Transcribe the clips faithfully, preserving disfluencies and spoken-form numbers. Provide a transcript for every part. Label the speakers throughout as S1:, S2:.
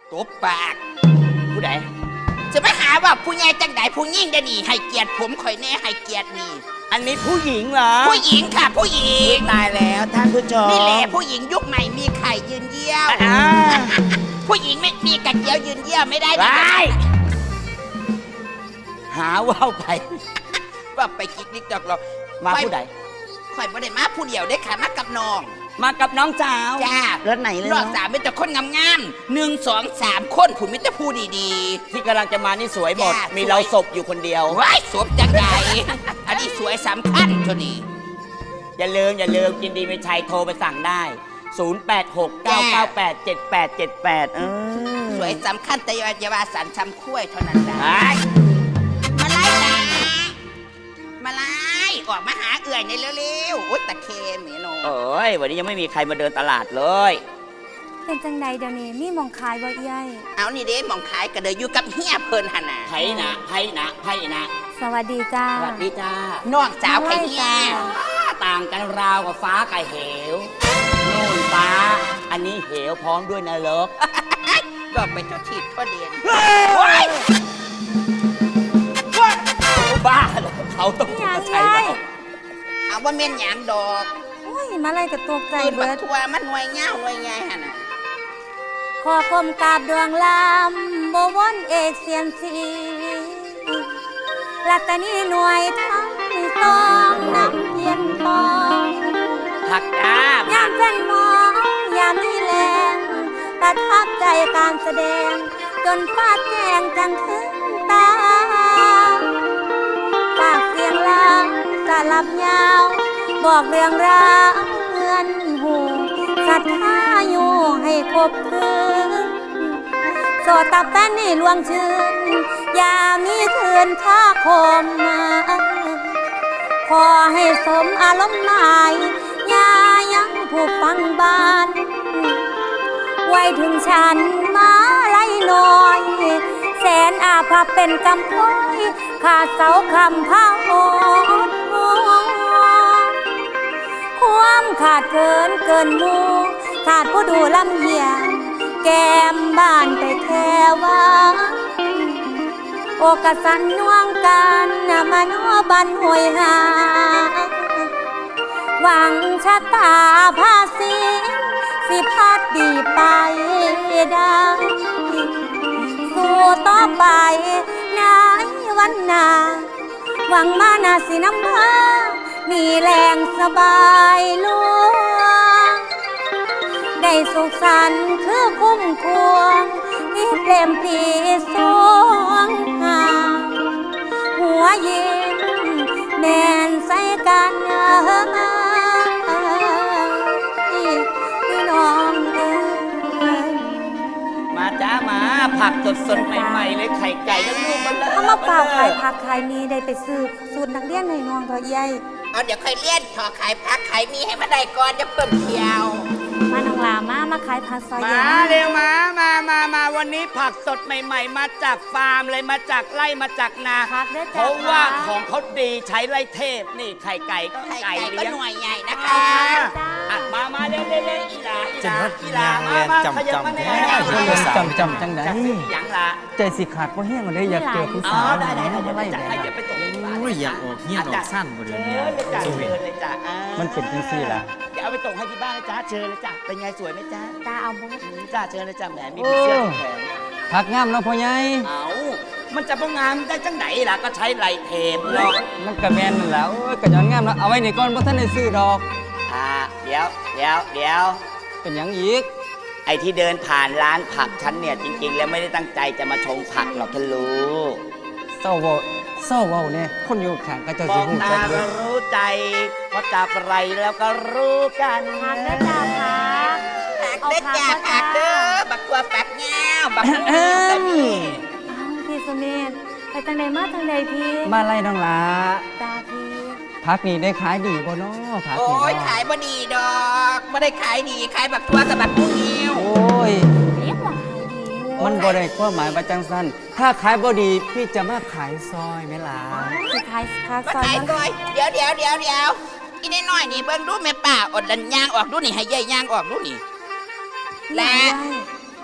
S1: ตบปากผู้ใด
S2: จะไม่หาว่าผู้ใหญ่จังใดผู้ยิ่งได้นี่ให้เกียรติผมข่อยแน่ให้เกียรตินี่
S1: อันนี้ผู้หญิงเหรอ
S2: ผู้หญิงค่ะผู้หญิง
S1: ตายแล้วท่านผู้ชม
S2: นี่แหละผู้หญิงยุคใหม่มีไข่ยืนเยี่ยว
S1: อ่า
S2: ผู้หญิงไม่มีกระเจียวยืนเยี่ยวไม่ได้
S1: ไป
S2: นะ
S1: หาว่าวไป
S2: ว่าไปกิ๊กนิกจอกหรอก
S1: มาผู้ใด
S2: ข่อยบ่ได้มาผู้เดียวได้อค่ะมากับน้อง
S1: มากับน้องสาว
S2: จ้าร
S1: ถไหนเลย
S2: รอบ
S1: เนาะ
S2: สามเป็นแต่คนงามๆหนึ่งสองสามคนผู้มิตรผู้ดี
S1: ที่กำลังจะมานี่สวยหมด
S2: จ้ามี
S1: มีเราศพอยู่คนเดียว
S2: ๆว้ายสวมจังใดอันนี้สวยสำคัญตัวนี้
S1: อย่าลืมอย่าลืมกินดีไม่ชัยโทรไปสั่งได้ ศูนย์ แปด หก เก้า เก้า แปด เจ็ด แปด เจ็ด แปด เออ
S2: สวยสำคัญแต่อยาว่าสันชำคุ้ยเท่านั้นได้
S1: ไอ้
S2: มาไล่ตามาไล่ออกมาหาเอื่อยในเร็วๆโอ๊ยตะเคมเหมียโน
S1: โอ้ยวันนี้ยังไม่มีใครมาเดินตลาดเลย
S3: เป็นจังใดเดี๋ยวนี้มีหมองขายบ่เอี้ยย
S2: เอานี่เด้หมองขายกระเดยอยู่กับเฮียเพิ่นหนนา
S1: ไผ่นะไผ่นะไผ่นะ
S3: สวัสดีจ้า
S1: สวัสดีจ้า
S2: น้องสาวไข่เฮีย
S1: ต่างกันราวกับฟ้ากับเหวนู่นฟ้า อันนี้เหวพร้อมด้วยนรก
S2: ก็ไปเจ้าทีทั่วเดียน
S1: บ้าเหรอเขาต้องมาใช้เรา
S2: เอาว่าเมียนหยางดอก
S3: โอ้ยมาไล่กับตัวใจ
S2: ตื่นบั
S3: เบิ
S2: ก
S3: ด
S2: ทัวมันหน่วยเงาหน่วยใหญ่หั่นน่ะ
S3: ขอกลมกราบดวงลำบวนเอกเสียนสีลักตานีหน่วยทั้งสองนำเพียนปอง
S1: ผักจ้าย
S3: ามเป็นหมองยามมีแรงประทับใจการแสดง จนฟาดแจงจังถึงตาปากเสียงลางสลับยาว บอกเรื่องราวเงินหูศรัทธาอยู่ให้ครบคืนโสดตับแป้นนี่ลวงชื่น อย่ามีคืนท่าคมมาขอให้สมอารมณ์หมายอย่ายังผู้ฟังบ้าน ไว้ถึงฉันมาไล่น้อย แสนอาภัพเป็นกำพร้อยขาดเสาคำพาโอนความขาดเกินเกินหมูขาดผู้ดูลำเหี่ยงแก้มบ้านไปแค่ว่าโอกาสันน่วงกันมาโนบันหวยหาหวังชะตาภาษีสิพัดดีไปได้สู้ต่อไปในวันหน้าหวังมานาสิน้ำพามีแรงสบายลุงได้สุขสันต์คือคุ้มควงที่เปลมปรีสวงหาหัวยิ้มแม่นใส่กันพี่น้องเอ้ย
S1: มาจ้ามาผักสดสดๆใหม่ๆเลยไข่ไก่ก็ลูกมันเลย
S3: ถ้ามาฝากขายผักขายมีได้ไปซื้อสูตรนักเรียนในน้องเถอะยาย
S2: เอาเดี๋ยวค่อยเลี้ยนถอขายพักขายมีให้มาได้ก่อนจะเพิ่มเที่ยว
S3: มาน้องลามามาขายผักซอย
S1: มา
S3: เย็น
S1: เร็วมามามามาวันนี้ผักสดใหม่ๆ มาจากฟาร์มเลยมาจากไร่มาจากนา
S3: ผักเด้อ
S1: เพ
S3: จ้า
S1: ราะว่าของเขาดีใช้ไร่เทพนี่ไข่ไก่ก็
S2: ไข่
S1: ไก่
S2: ไก่ก็
S1: เลี้ยง
S2: หน่วยใหญ่นะคะ
S1: อ่ะมามาเร็วเร็วเร็วอีหลาอีห
S4: จะ
S1: ลา
S4: นัด
S1: อีหลาย
S4: าง
S1: มา
S4: แลน
S1: มา
S4: จำ
S1: ขยับ
S4: จำ
S1: มาแน่
S4: แท้จำจำจังไหน
S1: จะซื้อหยังล่ะ
S4: ใจสิขาดเพราะแห้งเลยอยากเจอผู้
S1: อ๋อ
S4: สาว
S1: ได้ได้ได้
S4: มา
S1: ได้
S4: ไล่
S1: จัด
S4: แบ
S1: ให้
S4: บ
S1: เดี๋ยวไปส่งที่บ้าน
S4: โอ้ยอยากออกเหี้ยออกสั้นบ่เดี๋ยวนี้
S1: เชิญเลยจ้ะ
S4: ชีวิ
S1: เชิ
S4: ต
S1: ญเลยจ้ะอ่า
S4: มันเป็นจังซี่ล่ะ
S1: เดี๋ยวเอาไปส่งให้ที่บ้านนะจ๊ะเชิญเลยจ้ะเป็นไงสวยไหมจ๊ะ
S3: ตาเอาบ่
S1: อืมจ้าเชิญเลยจ้ะแหมมีผีเสื้อที่แขน
S4: พักงามเนาะพ่อใหญ่
S1: เอามันจะพองามได้จังไหนล่ะก็ใช้ไหลเทปหรอก
S4: มันกระแมนนั่นแหละโอ้ยกระย้อนงามแล้วเอาไว้นี่ก่อนบ่ทันได้ซื้อดอก
S1: อ่าเดี๋ยวเดี๋ยวเดี๋ยว
S4: เป็นหยังอีก
S1: ไอ้ที่เดินผ่านร้านผักฉันเนี่ยจริง ๆ แล้วไม่ได้ตั้งใจจะมาชงผักหรอกท่านรู้
S4: เศร้าเว้าเศร้าเว้าเนี่ยคนอยู่ข้างก็เจ้าม สิ
S1: อง
S4: ฮู้
S1: ตา
S4: จักเด้
S1: ก็
S4: อ
S1: รู้ใจพอจับไรแล้วก็รู้กัน
S3: ผักเด้อจ้าผัก
S2: ผักเด้อจ้าผักเด้อบักตัวแป๊กแง่วบักมือแต่มี
S3: เอาพี่สุเมธไปจังใดมาจังใดพี่
S4: มาไล่น้องลา
S3: จ้าพี่
S4: พักนี่ได้ขายดีบ่เนาะพัก
S2: โอ้
S4: นี่
S2: ย
S4: เนาะ
S2: ขายบ่ดีดอกไม่ได้ขายดีขายบักตัวกับบักมือนิ้ว
S4: โอ้ย
S3: เรียกว่าขายดีอยู่
S4: มันบ่ได้ความหมายว่าจังซั่นถ้าขายบ่ดีพี่จะมาขายซอยไหมล่ะ
S3: สิขายผัก
S2: มา
S3: ซอย
S2: ขาย
S3: มัน
S2: ก่อยเดี๋ยวเดี๋ยวเดี๋ยวเดี๋ยวอีน้อยๆนี่เบิ่งดูแม่ป้าอดดันย่างออกดูนี่ให้ยายย่างออกดูนี่
S3: แล้
S2: และ
S3: ว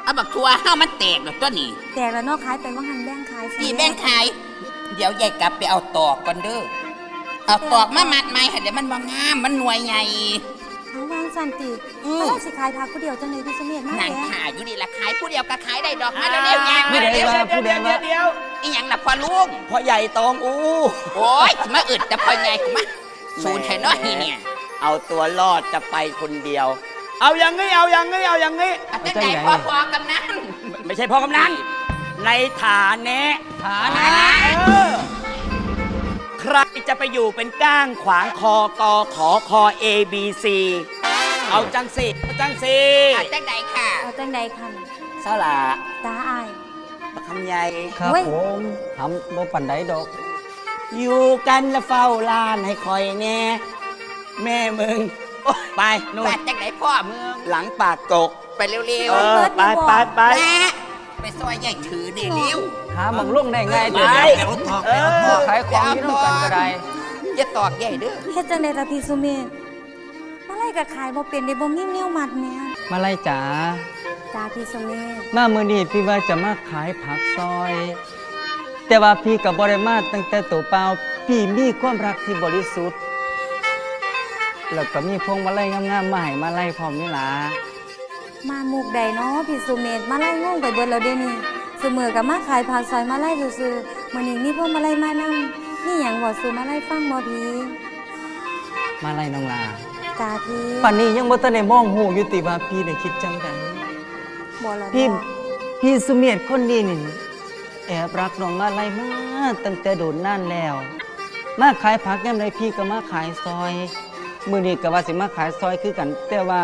S2: เอาบักทัวเฮามันแตกดอกตัวนี้
S3: แตกแล้วเนอกขายไปว่าหันแบ่งขายสิ
S2: พี่แบ่งขาย เดี๋ยวยายกลับไปเอาตอกก่อนเด้อเอาตอกมามัดใหม่ให้เดี๋ยวมันบ่งามมันหน่วยใหญ่
S3: ทั้งวางสันติ
S2: อืม
S3: แล้วสิขายพักผู้เดียวจังเลยพี่สมเด็จมาก
S2: นาง
S3: แล้
S2: ขายอยู่นี่ละขายผู้เดียวก็ขายได้ดอกมาเร็วๆยาง
S4: ผู้
S2: มา
S4: ใด
S2: เร็ว
S4: ว่าผู้ใดว่า
S1: เดี๋ยว
S2: อีหยังล่ะพ่อลุง
S1: พ่อใหญ่ตองอู้
S2: โอ้ยมาอึดแต่พ่อใหญ่กูมาศูนย์ไทยน้อยนี่เนี่ย
S1: เอาตัวรอดจะไปคนเดียว เอาอย่างงี้เอาอย่างงี้เอาอย่างงี้
S2: อาจารย์ใหญ่พ่อพอกำนัน
S1: ไม่ใช่พ่อกำนันในฐานะ
S4: ฐา
S2: นะ
S4: นะ
S1: เออใครจะไปอยู่เป็นก้างขวางคอกอขอคอ A B C เอาจังสิเอาจังสิ
S2: อาจารย์ใดค่ะ
S3: เอาจังใดคัน
S1: เศร้าละ
S3: ตาอาย
S1: ประคำใหญ่
S4: ครับ
S3: เว้ย
S4: ผมทำบ่ปันไดดอก
S1: อยู่กันแล้วเฝ้าลานให้คอยแน่ แม่มึงโอ๊ยไปนู่น
S2: อาจารย์ใดพ่อมึง
S1: หลังปากกก
S2: ไปเร็ว
S1: เอ
S2: ๆ
S1: อ ไปไปไป
S2: แม่ไปซอยใหญ่ถือเดี๋ยวเร็ว
S4: หาบังลงได้ง่าย
S1: ไป
S4: เดี๋ยว
S1: เออ
S4: ขายของที่ต้องกันก็ได้
S2: อย่าตอกใหญ่เด้อ
S3: เฮ็ดจังใดล่ะพี่สมเด็จมาไล่ก็ขายบ่เป็นได้บ่มีแนวมัดแม่
S4: มาไล่จ๋า
S3: จ้าพี่สมเด็จ
S4: มามื้อนี้พี่ว่าจะมาขายผักซอย แต่ว่าพี่กับบริมาตั้งแต่ตัวเปล่าพี่มีความรักที่บริสุทธิ์แล้วก็มีพวงมาลัยงามๆมาให้มาไล่พร้อมนี่ล่ะ
S3: มามุกใดเนาะพี่สมเด็จมาไล่งงไปเบิดแล้วเดี๋ยวนี้ซุมื้อก็มาขายผักซอยมาไล่ซื่อๆมื้อนี้มีพวกมาไล่มานำนี่หยังบ่สู่มาไล่ฟังบ่พี่
S4: มาไล่น้องลา
S3: จ้าพี่
S4: ป่านนี้ยังบ่ทันได้มองหูอยู่ติว่าพี่ได้คิดจังได
S3: บ่ล่ะ
S4: พี่
S3: เนาะ
S4: พี่สุเมธคนนี้นี่แอบรักน้องมาไล่มาตั้งแต่โดนนานแล้ว มาขายผักยามใดพี่ก็มาขายซอย มื้อนี้ก็ว่าสิมาขายซอยคือกัน แต่ว่า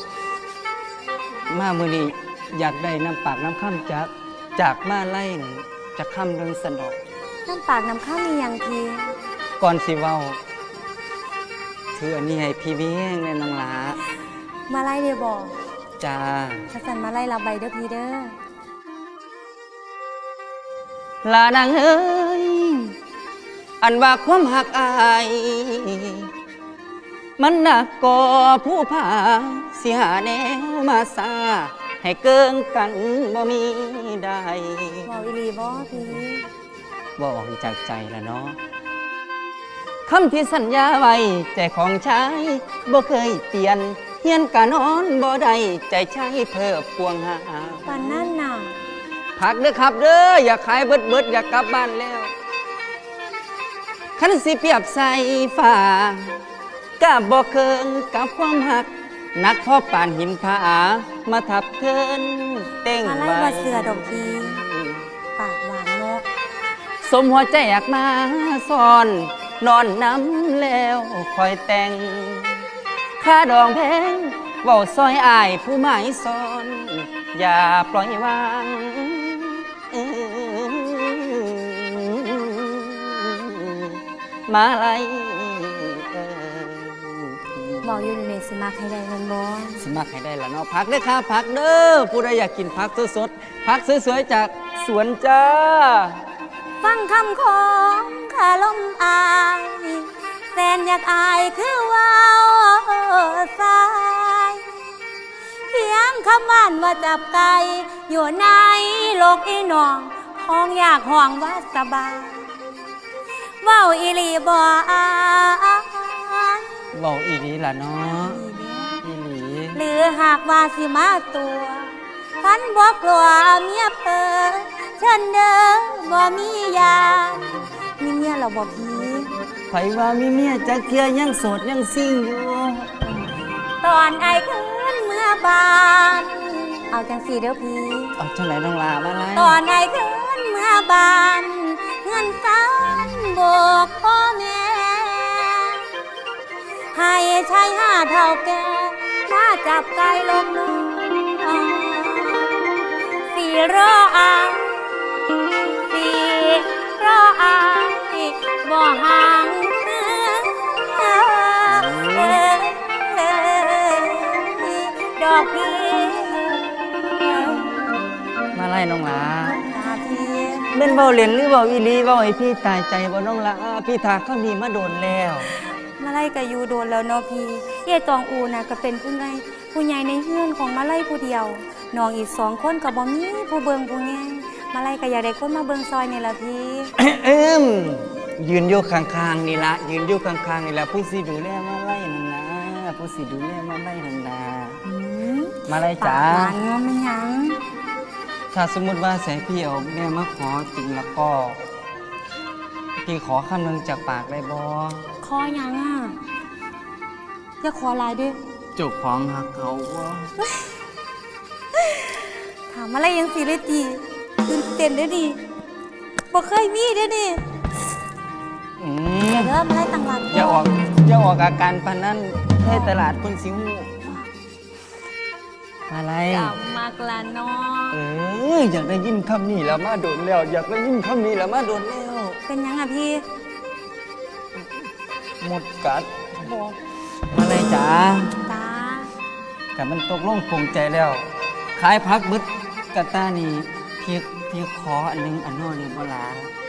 S4: มามื้อนี้อยากได้น้ำปากน้ำค่ำจากจากมาไล่นี่จะค่ำเรื่องสนอก
S3: น้ำปากน้ำข้าวมีหยังพี่
S4: ก่อนสิเว้าถืออันนี้ให้พี่เบี้ยงแน่น้องหลา
S3: มาไล่เด้อบ่
S4: จ้า
S3: ถ้าสั่นมาไล่รับใบเด้อพี่เด้อ
S4: ลานางเอ้ยอันว่าความหักอาย มันหนักก่อผู้ผาสิหาแนวมาซาให้เกิงกันบ่มีได้
S3: บ่อีหลีบ่พี่
S4: บ่ออกจากใจละเนาะคำที่สัญญาไว้ใจของชายบ่เคยเปลี่ยนเฮียนกะนอนบ่ได้ใจชายเพิ่มพวงหา
S3: ปานนั่นน่ะ
S4: พักเด้อครับเด้ออย่าขายเบิดเบิดอย่ากลับบ้านแล้วคันสิเปรียบใส่ฟ้ากะบ่เคิงกับความหักนักพ่อป่านหินผามาทับเทินเต้ง
S3: มาไล่
S4: ไว้
S3: บ่เสือดอกพี่ปากหวานนก
S4: สมหัวใจอยากมาซ่อน นอนน้ำแล้วคอยแต่งค่าดองแพงเว้าซอยอายผู้หมายซ่อน อย่าปล่อยวางมาไลยเอ่ย
S3: บอกอยู่ในสิมาใครใดแมันบ่
S4: สมัครให้ได้ละเนาะพักเด้อค่ะพักเด้อผู้ใดอยากกินพักสดๆพักสวยๆจากสวนจ้า
S3: ฟังคำของขาลมอายแฟนอยากอายคือว่าวสายเพียงคำหวานว่าจับไก่อยู่ในโลกอีหนองห้องอยากห่วงว่าสบายเว้าอีหลีบ่อาย
S4: เว้าอีดีล่ะเนาะ
S3: นี่เด้อ
S4: อีหลี
S3: หรือหากว่าสิมาตัวพันบ่กลัวเมียเปิดเชิญเด้อบ่มียานมีเมียเราบ่พี่
S4: ไผว่ามีเมียจักเทียยังโสดยังซิ่งอยู่
S3: ตอนไอ้ขึ้นเมื่อบาน เอาจังสีเด้อพี่
S4: เอาจังไหนน้องลามาไล่
S3: ตอนไอ้ขึ้นเมื่อบานเงินสันบอกพ่อแม่ ให้ชายห้าเท่าแก่มาจับไก่ลงน้องสีรออายสีรออายบ่ห่างเมืองดอกพี่
S4: มาไล่น้องลา
S3: ตาพี่
S4: เม่นเว้าเล่นหรือเว้าอีหลีเว้าให้พี่ตายใจบ่น้องลาพี่ถาคำนี้มาโดนแล้ว
S3: มาไล่กับยูโดนแล้วเนาะพี่เย่ตองอูน่ะก็เป็นผู้ใหญ่ผู้ใหญ่ในเฮือนของมาไล่ผู้เดียวน้องอีกสองคนก็บ่มีผู้เบิงผู้แย่งมาไล่ก็อยากได้คนมาเบิงซอยนี่ล่ะพี่
S4: เอิมยืนอยู่ข้างๆนี่ละยืนอยู่ข้างๆนี่ละผู้สิดูแลมาไล่นั่นนะผู้สิดูแลมาไล่นั่นนะ
S3: อืม
S4: มาไล่
S3: ปา
S4: จ๋าก
S3: หวานเงาไม่หยัง
S4: ถ้าสมมติว่าแสงพี่เอาแม่มาขอจริงแล้วก็พี่ขอคำหนึงจากปากได้บ่
S3: คอหยังอ่ะอย่าขอหลายเด้วย
S4: เจ้าของหักเขาบ่
S3: ถามอะไรยังสิเลยตีตื่นเต้นเด้อดิบ่เคยมีเด้อดิ
S4: อืม
S3: เดี๋ยวเด้อมาไล่ตั้งหลัก
S4: อย่าออกอย่าออกอาการปานนั้นให้ตลาดคนสิฮู้อะไร
S3: จำมากละเนาะ
S4: เอออยากได้ยินคำนี้แล้วมาโดนแล้ว อยากได้ยินคำนี้แล้วมาโดนแล้ว
S3: เป็นหยังอ่ะพี่
S4: หมดกัด
S3: บอก
S4: มาเลยจ๋า
S3: ตา
S4: กับมันตกลงปลงใจแล้ว ขายพักบึดกะตานี่พี่พี่ขออันหนึงอันโน้นนี่บ่ลา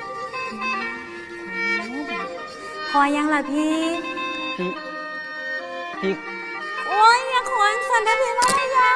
S3: ขอหยังล่ะพี่
S4: พี่พี่
S3: โอ้ยอย่าขอสันเด้อพี่มาเลยยัง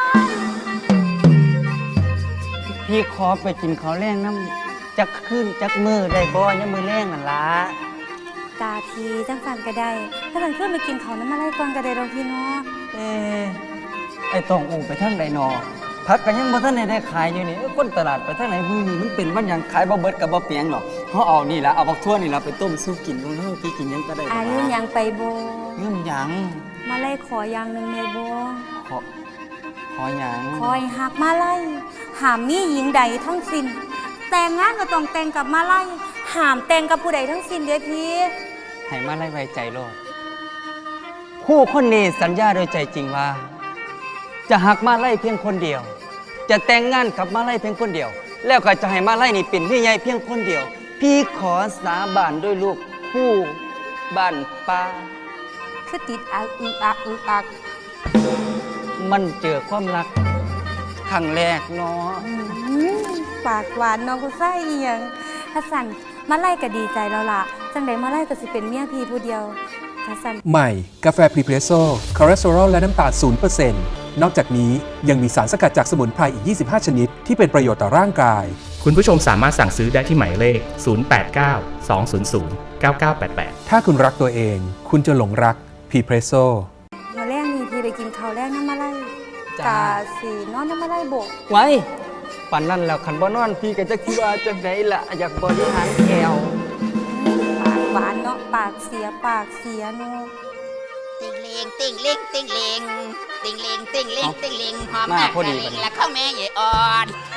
S4: พี่ขอไปกินข้าวแรงน้ำจักขึ้นจักมือได้บ่ยังมือแรงนั่นล่ะ
S3: ตาพีจังสันก็ได้ ถ้าสันขึ้นไปกินเขาวน้ำมาไล่ก่อนก็ได้ดอกพี่เนาะ
S4: เอ้ไอ้ต้องอูไปทางใดนอพักก็ยังบ่ทันได้ได้ขายอยู่นี่เอ้อคนตลาดไปทางไหนมื้อนี้มันเป็นมันหยังขายบ่เบิดก็บ่เปียงดอกเฮาเอานี่ล่ะเอาบักทั่วนี่ล่ะไปต้มซุปกินของเฮาพี่กินหยังก็ได้
S3: อายุยังไปโบ
S4: เรื่องหยัง
S3: มาไล่ขออย่างหนึ่งในโบ
S4: ขอขอหยัง
S3: คอยหักมาไล่หามมีหญิงใดทั้งสิ้นแต่งงานก็ต้องแต่งกับมาไล่หามแต่งกับผู้ใดทั้งสิ้นเด้อพี่
S4: ให้มาไล่ไว้ใจโลดคู่คนนี้สัญญาโดยใจจริงว่า จะหักมาไล่เพียงคนเดียว จะแต่งงานกับมาไล่เพียงคนเดียว แล้วก็จะให้มาไล่นี่เป็นพี่ใหญ่เพียงคนเดียว พี่ขอสาบานด้วยลูกคู่บ้านป้า
S3: คือติดอักอึกอักอึกอัก
S4: มันเจอความรักครั้งแรกเนาะ
S3: อืมปากหวานน้องกูไส้อีหยังถ้าสันมาไล่ก็ดีใจแล้วล่ะจังใดมาไล่ก็สิเป็นเมียพี่ผู้เดียวถ้าสัน
S5: ใหม่ กาแฟพรีเพรสโซ่คอเลสเตอรอลและน้ำตาล ศูนย์เปอร์เซ็นต์ นอกจากนี้ยังมีสารสกัดจากสมุนไพรอีก ยี่สิบห้า ชนิด ที่เป็นประโยชน์ต่อร่างกาย
S6: คุณผู้ชมสามารถสั่งซื้อได้ที่หมายเลข ศูนย์ แปด เก้า สอง ศูนย์ ศูนย์ เก้า เก้า แปด แปด
S5: ถ้าคุณรักตัวเอง คุณจะหลงรักพรีเพรสโซ่
S3: มาแรกนี่พี่ไปกินข้าวแรกน้ำมาไล่กาสีนอนน้ำมาไล่โบก
S4: ไว้ปันนั้นแล้วคันบ่นอนพี่ก็จะคิดว่าจังไดล่ะอยากบริหารแก้ว
S3: ปากหวานเนาะปากเสียปากเสียเนาะ
S2: ติงเลงติงเลงติงเลงติงเลงติงเลงติงเลงหอม
S4: มา
S2: มาก
S4: พอดี
S2: กะเล
S4: พอง ดี
S2: และข้าวแม่ใหญ่อ่อน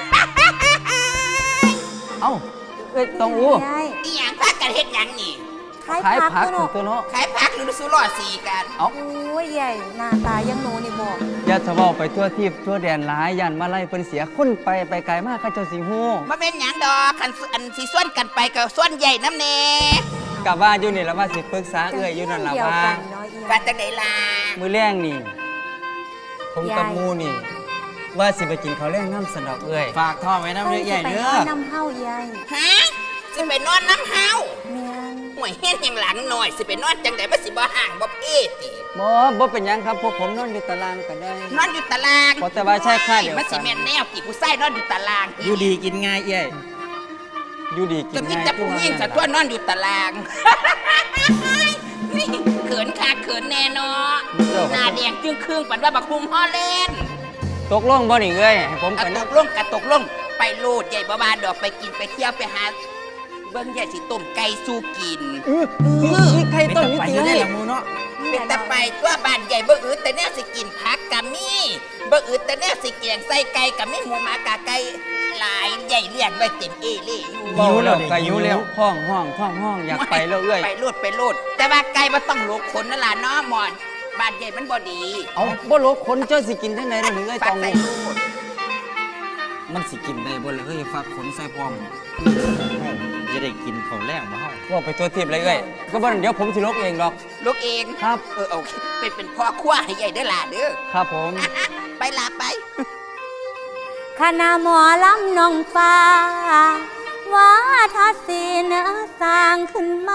S4: เอ้าเอ้ยต้องอู้
S3: ยาย
S2: อีหยังพากันเฮ็ดหยังนี่
S3: ขาย
S4: ขาย
S3: ผัก
S4: ผัก
S3: เนาะ
S4: ตัวเนาะ
S2: ขายผักหรือสุรอสีกัน
S4: เอ้า
S3: โอ้ยใหญ่หน้าตายังหนูนี่บอก
S4: อย่าทะเว้าไปทั่วทิพย์ทั่วแดนหลายย่านมาไล่เพิ่นเสียคนไปไปไกลมากเขาเจ้าสิฮู้
S2: มาเป็นหยังดอกคันอันสิส่วนกันไปกับส่วนใหญ่น้ำแน่
S4: กะว่าอยู่นี่ละว่าสิปรึกษาเอื้อยอยู่นั่นล่ะ
S3: เดียว
S4: ว่า
S3: กันเนาะอี
S2: ว่า
S3: หยัง
S2: จังไดล่ะ
S4: มื้อแรงนี่ ผมกับ
S3: ยาย
S4: หมูนี่ ว่าสิไปกินข้าวแรงน้ำสนดอกเอื้อยฝากท่อไว้น้ำเด้อใหญ่
S3: ไป
S4: เด้
S3: น
S4: อ
S3: อนน้ำเฮาใหญ่
S2: ฮะสิไปนอนน้ำเฮา
S3: เมียน
S2: ห่วยเฮ็ดหยังหลังหน่อยสิไปนอนจังไดบ่สิบ่ห่างบ่เอ้ติ
S4: บ่บ่เป็นหยังครับพวกผมนอนอยู่ตารางก็ได้
S2: นอนอยู่ตาราง
S4: เพราะแต่ว่าใช่ค่าเดียวกัน
S2: มันสิแม่นแนวกี่ผู้ชายนอนอยู่ตาราง
S4: อยู่ดีกินง่ายเอ้ยอยู่ดีกิ
S2: ก็
S4: น
S2: มี
S4: ง่าย
S2: แต่ผู้หญิงสัตัวนอนอยู่ตาราง นี่เขินคาเขินแน่เนาะหน้าแดงจึงครึ่งปันว่าบักคุมฮอลแลนด์
S4: ตกลงบ่นี่เอ้ยให้ผม
S2: ก
S4: ไป
S2: ระต
S4: นั่ง
S2: กลงกระตกลงไปโลดใหญ่บ่บานดอกไปกินไปเที่ยวไปหาเบิ่งใหญ่สิต้มไก่สู้กิน
S4: อื้อมีใครต้นมีตีให้
S2: เป็นตะไปตัวบ้านใหญ่บ่อืดแต่แนวสิกินผักกะมีบ่อืดแต่แนวสิแกงใส่ไก่กะมีหมูหมากะไก่หลายใหญ่เลี้ยงไว้เต็มเอเล่อยู่
S4: หิวแล้วก็หิวแล้วห้องห้องห้องห้องอยากไปแล้วเอ้ย
S2: ไปโลดไปโลดแต่ว่าไก่บ่ต้องลกขนนั่นล่ะเนาะหมอนบ้านใหญ่มันบ่ดี
S4: เอาบ่ลกคนเจ้าสิกินจังได๋ล่ะนี่เอ้ย
S2: ฝา
S4: ต้
S2: ก
S4: อง
S2: ใส่โลด
S4: มันสิกินได้บ่ล่ะเอ้ยฝากขนใส่พร้อม
S7: จะได้กินข้าวแรงมาเฮา
S4: ว่าไปตัวทิพย์เลยเอ้ยก็บ่เดี๋ยวผมสิลกเองดอก
S2: ลูกเอง
S4: ครับ
S2: เออโอเคเป็นเป็นพ่อครัวให้ใหญ่เด้อล่ะเด้อ
S4: ครับผม
S2: ไปลาไป
S3: คณะหมอลำน้องฟ้า ว่าทัศสีเนื้อสร้างขึ้นมา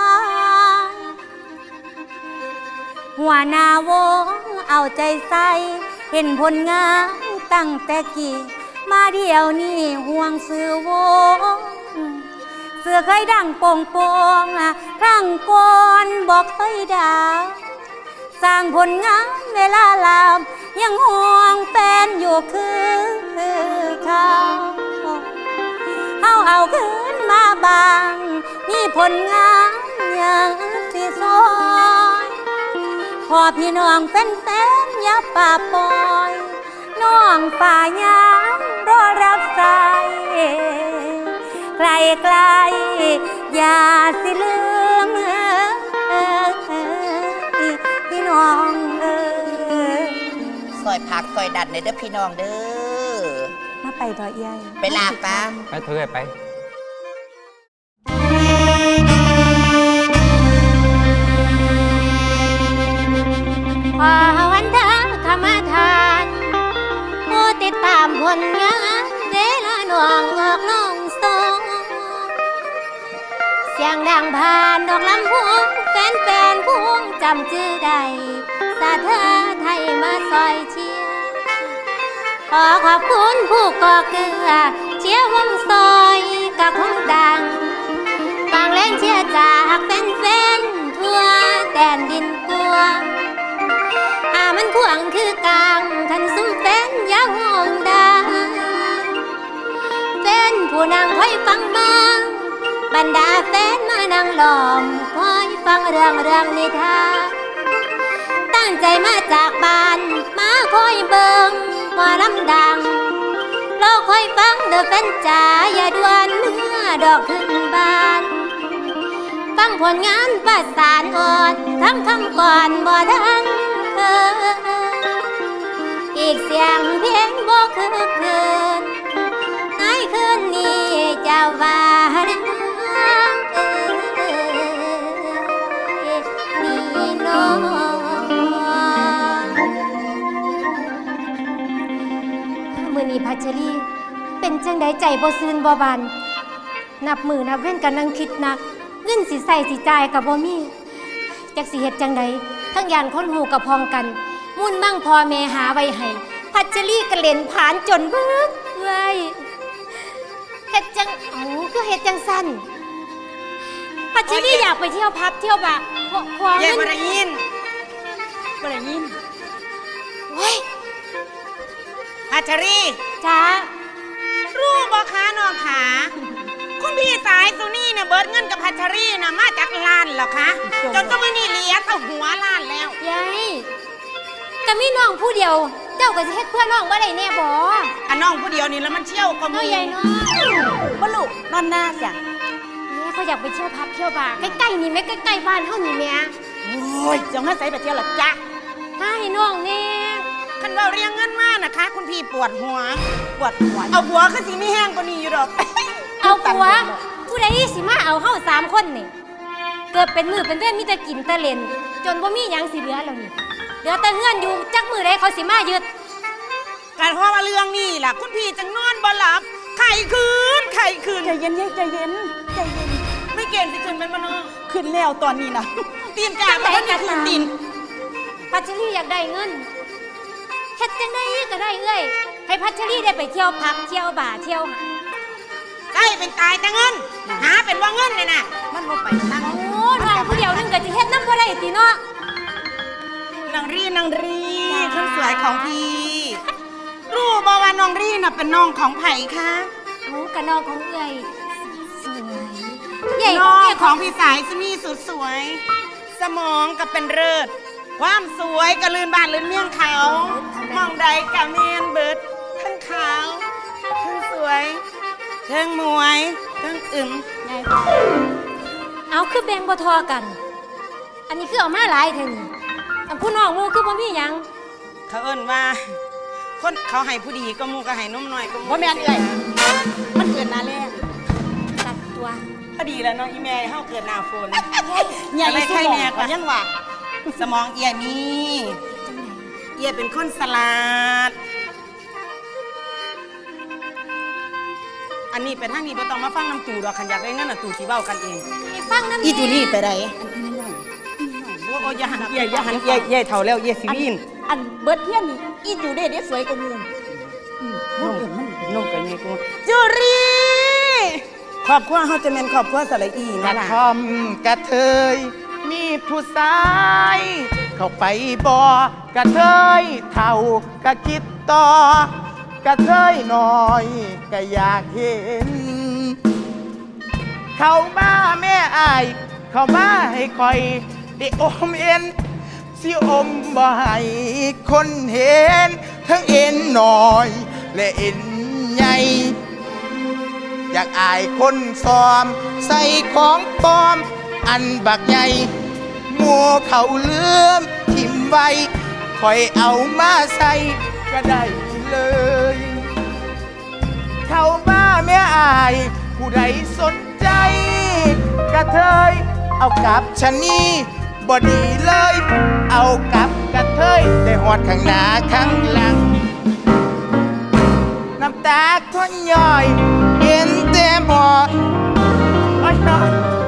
S3: หัวหน้าวงเอาใจใส่ เห็นผลงานตั้งแต่กี่มาเดี๋ยวนี้ห่วงซื้อวงเสือเคยดังโป่งโป่งครั้งก่อนบอกเคยดาวสร้างผลงานเวลาลามยังห่วงแฟนอยู่คือเขาเฮาเอาคืนมาบางมีผลงานอย่างสิซอยพอพี่น้องเป็นแฟนอย่าป่าปล่อยน้องป่ายามรอรับสายไกลไกลอย่าสิลืมพี่น้องเออ
S2: ซอยพักซอยดันในเด้อพี่น้องเด้อ
S3: มาไปต่อเอียย
S2: ไปลาปะ
S4: ไปเถอะไป
S3: ขอวันเดาขมาทานผู้ติดตามผลงานเวลาหน่วงออกลงทรงเสียงดังผ่านดอกลำพวงแฟนแฟนพวงจำชื่อได้สาเธอไทยมาซอยเชียร์ขอขอบคุณผู้ก่อเกลือเชียร์วงซอยกับคงดังฟังแรงเชียร์จากแฟนแฟนทั่วแดนดินกวางอามันขวางคือกลางทันซุ่มแฟนอย่าห่วงดังแฟนผู้นางคอยฟังบ้างบรรดาแฟนมานั่งล้อมคอยฟังเรื่องเรื่องนิทานตั้งใจมาจากบ้านมาคอยเบิ่งว่าลำดังรอคอยฟังเด้อแฟนจ๋าอย่าด่วนเมื่อดอกขึ้นบานฟังผลงานประสานอ่อนทั้งคำก่อนบ่ทันเคยอีกเสียงเพลงบ่คือคืนในคืนนี้เจ้าว่านี่น้องมื้อนี้พัชรีเป็นจังใดใจบ่ซื่นบ่บานนับมือนับเว้นกันนั่งคิดหนักเงินสิใส่สิจ่ายกับบ่มีจักสิเฮ็ดจังใดทั้งยานคนหูกับพองกันมุ่นมั่งพ่อแม่หาไว้ให้พัชรีกระเล่นผานจนเบิดไว้เฮ็ดจังเอาคือเฮ็ดจังสั้นพัชรีอยากไปเที่ยวพับเที่ยวบาร์ขอขอ
S2: เย่
S3: เงิน
S2: บ่ได้ยินบ่ได้ยิน
S3: โอ้ย
S2: พัชรี
S3: จ้า
S2: รู้บ่คะน้องขาคุณพี่สายสุนี่เนี่ยเบิดเงินกับพัชรีนะมาจากล้านเหรอคะจนก็ไม่นี่เหลียเท่าหัวล้านแล้ว
S3: ยายก็มีน้องผู้เดียว เจ้าก็สิเฮ็ดเพื่อน้องบ่ได้แน่บ่
S2: อันน้องผู้เดียวนี่แล้วมันเชี่ยวก็
S3: น้
S2: มี
S3: อยใหญ่เนาะ
S2: บ่ลูกนอนหน้าจ้ะ
S3: แม่เขาอยากไปเที่ยวพับเที่ยวบาร์ใกล้ๆนี่แม่ใกล้ๆบ้านเฮานี่แม่
S2: โอ้ยจะมาใส่ไปเที่ยวหรอจ๊ะ
S3: ถ้าให้น้องแน่
S2: คันว่าเรียงเงินมานะคะ คุณพี่ปวดหัวปวดหัวเอาหัวคือสิไม่แห้งกว่านี้อยู่ดอก
S3: เอาผัวผู้ใดสิมาเอาเฮาสามคนนี่เกิดเป็นมือเป็นเว้นมีแต่กินแต่เล่นจนบ่มีหยังสิเหลือแล้วนี่เหลือแต่เฮือนอยู่จักมือใดเขาสิมายึด
S2: การเพราะว่าเรื่องนี้ล่ะคุณพี่จังนอนบ่หลับไข่คืนไข่คืนใจเย็นใจเย็นใจเย็นไม่เก่งสิคืนเป็นมนุษย์คืนแล้วตอนนี้นะตีนกาบ่ทันได้คืนตีน
S3: พัชรีอยากได้เงินเฮ็ดจังไดก็ได้เอ้ยให้พัชรีได้ไปเที่ยวพับเที่ยวบาร์เที่ยวหา
S2: ใกล้เป็นตายแต่เงินหาเป็นว่าเงินเลยนะมันบ่ไปทาง
S3: โอ้น้องผู้เดียวนึงก็สิเฮ็ดนำบ่ได้ติเนาะ
S2: นางรีนางรีคนสวยของพี่รู้บ่ว่าน้องรีน่ะเป็นน้องของไผ่คะ
S3: โอ้กะน้องของเอ้ยสวยใหญ่
S2: น้อง
S3: ใหญ่
S2: ของพี่สายสมีสุดสวย สมองก็เป็นเลิศความสวยก็ลืนบ้านลืนเมี่ยงเขามองใดกะเมียนเบิดทั้งขาวทั้งสวยทั้งมวยทั้งอึม
S3: ใหญ่เอาคือแบ่งบ่ทอกัน อันนี้คือเอามาหลายเท่านี้อันผู้น้องหมู่คือบ่มีหยัง
S2: เขาเอิ้นว่า คนเขาให้ผู้ดีก็หมูก็ให้นุ่มน้อยก็หมู
S8: บ่แม่นเอ้ยมันเกิดนาแรก
S3: ตัดตัว
S2: พอดีแล้วเนาะอีแม่เฮาเกิดหน้าฝน
S8: ใหญ่
S2: อะไร
S8: สุ
S2: ใคร
S8: ดหม
S2: แน่
S8: อง
S2: กว่า
S8: ยังว่า
S2: สมองเอียมีเอียเป็นคนสลาด อันนี้ไปทางนี้บ่ต้องมาฟังน้ำตู่ดอกคันอยากได้เงินน่ะตู่สิเว้ากันเอง
S3: ให้ฟังนำ
S8: อีจูนี่ไปไหน
S2: โอ้โอ้อย่าหันเอียอย่าหันเอียเอียเฒ่าแล้วเอียสิวีน
S8: อันเบิดเทียนนี่อีจูได้ได้สวยกว่าหมูอืมบ่เอิ้นมันน
S2: นมก็ใหญ่กูจุรีครอบครัวเฮาจะแม่นครอบครัวสระอี
S9: กระ
S2: นะล่ะ
S9: ทอมกระเทยมีผู้ชายเข้าไปบอกระเทยเท่ากะคิดต่อกระเทยน้อยก็อยากเห็น เข้ามาแม่อาย เข้ามาให้คอยได้อมเอ็นสิอมบ่ให้คนเห็น ทั้งเอ็นน้อย และเอ็นใหญ่อยากอายคนซ้อม ใส่ของปลอม อันบักใหญ่มัวเขาเลื่อมทิมไว้คอยเอามาใส่ก็ได้เลย เข้ามาแม่อาย ผู้ใดสนใจกระเทยเอากับชะนีบ่ดีเลย เอากับกระเทยได้หอดข้างหน้าข้างหลัง น้ำตาทนย่อยเห็นเต็มหอดโอ้ยน้อย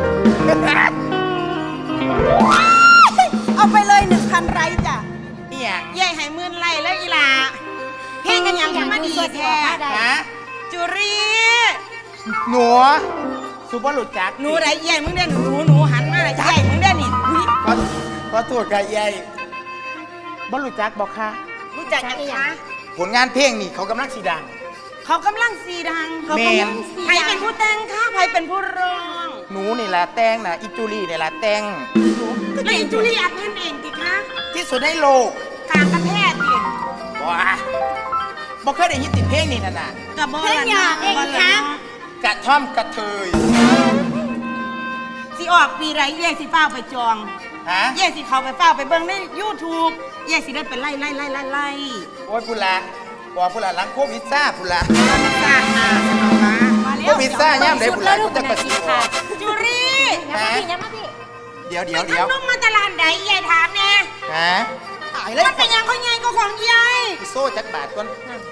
S8: เอาไปเลยหนึ่งพันไรจ้ะ
S9: เอียง
S2: ยายให้หมื่นไล่แล้วอีหล่าเพ่งกันหยังมาดีแท้
S9: ฮะ
S2: จุรี
S9: หนูสุภาพหลุดจัก
S2: หนูไรยายมึงเด้อหนูหนูหันมาเลยยายมึงเด้อนี่อุ๊ย
S9: ขอขอโทษกับยายบอลลุจักบอกค่ะ
S2: รู้จักยังคะ
S9: ผลงานเพลงนี่เขากำลังสีดัง
S2: เขากำลังสีดังเขา
S9: แม่
S2: กำลัง
S9: น
S2: สีใครเป็นผู้แต่งคะใครเป็นผู้ร้อง
S9: หนูนี่แหละแต่งนะอิจูรี่นี่แหละแต่ง
S2: แล้วอินจูลี่อัดเงินเองติคะ
S9: ที่สุดในโลก
S2: กลางประเทศดิ
S9: ว้าบอกเคยได้ยินติดเพลงนี่นะน่ะ
S2: กับบอลเองคะ
S9: กระท่อมกระเทย
S2: สิออกปีไรเย่สิเฝ้าไปจอง
S9: ฮะ
S2: เย่สิเขาไปเฝ้าไปเบิ่งในยูทูบเย่สิได้เป็นไล่ไล่ไล่ไล่ไล่
S9: โอ้ยพุละบอกพุละหลังโควิดซ่าพุละ
S2: มันสร้างมาสนองมามา
S9: โควิดซ่าย่ำได้พุละก็จะกระสิบ
S2: จุรี
S9: ฮะ
S3: ยังมาพี่
S9: เดี๋ยว
S2: ไป
S9: เดี๋ยวเดี๋ยว
S2: ทำนุ่มมาตลาดไหนเย่ถามแน่
S9: ฮะ
S8: ตายแล้ว
S2: มันเป็นยังเขาใหญ่ก็ของใหญ่
S9: โซ่จักบาทก่อน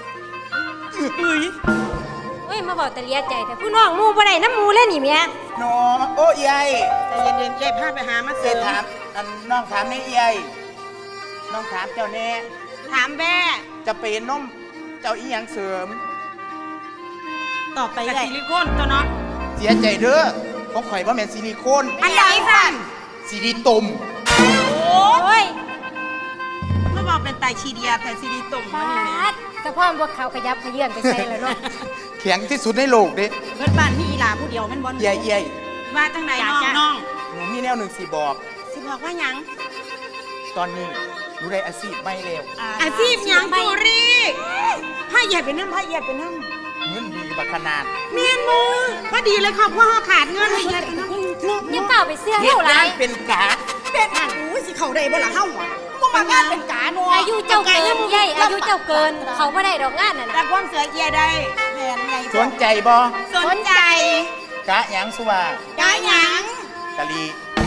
S3: เฮ้ยมาบอกแต่เลียใจแต่ผู้น้องหมูบ่ได้น้ำหมูเล่นนี่เมีย
S9: หนอโอ้ยาย
S2: ใจเย็นๆเย่พาไปหามา
S9: เส
S2: เส
S9: ร็
S2: ริ
S9: จ
S2: ม
S9: ถามอันน้องถามในเอียยน้องถามเจ้าแน่
S2: ถามแม่
S9: จะเป็นนมเจ้าอีหยังเสริม
S8: ต่อไป
S2: กับ
S8: ได้
S2: ซิลิโคนตัวเนาะ
S9: เสียใจเด้อของข่อยว่าแม่นซิลิโคน
S2: อันไหนสั่น
S9: ซิลิตุ่ม
S2: โอ้
S3: โอ้ย
S2: เมื่อบอกเป็นไตชีเดียแต่ซีดีตุ่ม
S3: ปา
S2: มันนี่แม่
S3: ดสะพอนพวกเขาขยับขยื่นไปใส่แล้วเนาะ
S9: แข็งที่สุดในโลกเด้
S2: เบิดบ้านมีอีหลาผู้เดียวแมันบอล
S9: เอียยเอียย
S2: ว่าจังไหนน้องน้อง
S9: หนูมีแนวหนึ่งสีบอก
S2: สิบอกว่าหยัง
S9: ตอนนี้หนูได้อาชีพไม่เร็ว
S2: อาชีพหยังจุรีผ้าเหยียดเป็นน้ำผ้าเหยียดเป็นน้
S9: เงินดีบักขนาด
S2: ำเมียนมือพอดีเลยครับว่าเขาขาดเงินให้เหยียดเป็นน้ำ
S3: ยังเป่าไปเสื้อ
S9: เฮ็ด
S3: เท่าไหรง
S9: านเป็นกา
S8: เป็ดอ่ะอู้สิเขาได้บ่ล่ะเฮาอ่ะบ่มางานเป็นกาเนาะ
S3: อายุเจ้าเกินใหญ่อายุเจ้าเกิน เขาไม่ได้ดอกงานน่ะ
S2: แต่
S3: นะ
S2: ความเสือเหยียดได้
S8: แม่นไง
S9: สนใจบ่
S2: สนใจ
S9: กะหยังสุว่าก
S2: ายหยัง
S9: กะลี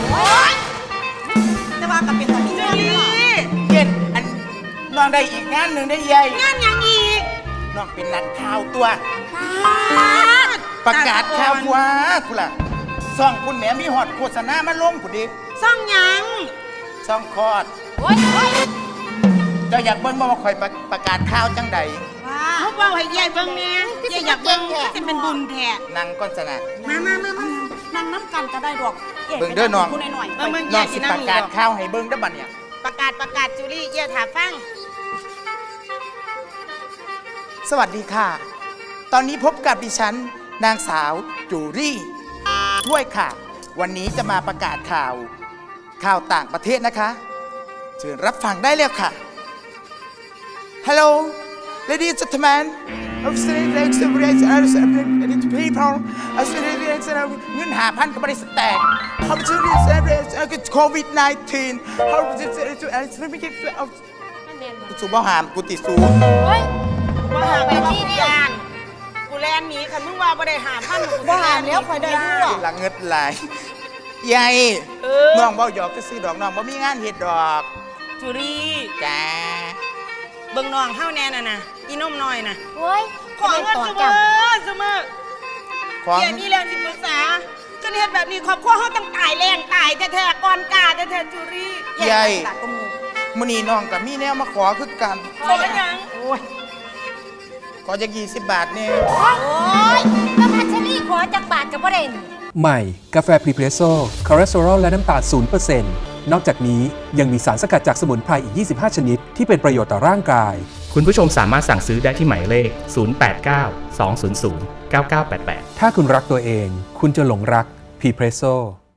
S8: แต่ว่าก็เป็นตามี
S2: จุ
S8: งาน
S2: รี
S8: เนาะ
S9: เย็นอันน้องได้อีกงานหนึ่งได้เอียย
S2: งานหยังอีก
S9: น้องเป็นนักข่าวตัว
S3: ปาด
S9: ประกาศข่าวว่ากูล่ะซ่องคุณแหม่มีฮอดโฆษณามาลงผู้ดิ
S2: ซ่องหยัง
S9: ซ่องคอด
S3: โอ้ยโอ้ย
S9: เจ้าอยากเบิ่งบ่ว่าข่อยประประกาศข่าวจังใด
S8: ว่า
S2: เขาบอกให้เหยียดเบิ่งแม่เหยียดอยากเบิ่งจะเป็นบุญแท้
S9: นั่งก้อนสนะ
S2: มามามามา
S8: นั่งน้ำกันก็ได้ดอก
S9: เบิ่งเด้อน้อง
S8: ผู้หน่อยๆ
S2: เบิ่งเบิ่งเห
S9: น้
S2: ยี
S9: อย ง
S2: ด
S9: สิ
S2: สิ
S9: ป
S2: นั่ง
S9: ระ
S2: นี่
S9: กาศ
S2: ดอก
S9: ข่าวให้เบิ่งเด้อบัดเนี่ย
S2: ประกาศประกาศจุลี่เหยียดถาฟัง
S9: สวัสดีค่ะ ตอนนี้พบกับดิฉัน นางสาวจูรี่ด้วยค่ะ วันนี้จะมาประกาศข่าว ข่าวต่างประเทศนะคะ เชิญรับฟังได้เลยค่ะ Hello ladies and gentlemen I'm saying that the race are the people I'm saying that เงินหาพันก็ไม่ได้สแตก How to do thisโควิดสิบเก้า How to do this สูบบ่หามกูติดสู
S3: โอ้ย
S2: ว่าหาไปที่นี่อ่านกูแลนหนีคันมึงว่าบ่ได้หาพันกู
S8: บ่หามแล้วข่อยได้รู้อะ
S9: หลังเงิดไหลายใหญ่
S2: เออ
S9: น้องเบาหยอกก็ซื้อดอกน้องบ่มีงานเฮ็ดดอก
S2: จุรี
S9: จ้า
S2: เบิ่งน้องเฮาแน่น่ะนะอีนมน้อยน่ะ
S3: โอ้ย
S2: ขอเงิน
S3: ต่อ
S2: เสม
S3: จัง
S2: อเสมอ
S9: ของ
S2: เดี๋ยวมีเรื่องสิปรึกษาคันเฮ็ดแบบนี้ครอบครัวเฮาต้องตายแรงตายแท้ๆก่อนกาแท้ๆจุรี
S9: ใหญ่
S8: ตากกระหมู
S9: มื้อนี้น้องก็มีแนวมาขอคือกัน
S2: ขอหยัง
S9: โอ้ยขอจะยี่สิบบาทเนี่ย
S3: โอ้ยก็พัชรีขอจากบาทกับประเด็น
S5: ใหม่ กาแฟพรีเพรสโซ่คอเลสเตอรอลและน้ำตาล ศูนย์เปอร์เซ็นต์ นอกจากนี้ยังมีสารสกัดจากสมุนไพรอีก ยี่สิบห้า ชนิดที่เป็นประโยชน์ต่อร่างกาย
S6: คุณผู้ชมสามารถสั่งซื้อได้ที่หมายเลข ศูนย์ แปด เก้า สอง ศูนย์ ศูนย์ เก้า เก้า แปด แปด
S5: ถ้าคุณรักตัวเอง คุณจะหลงรักพรีเพรสโซ่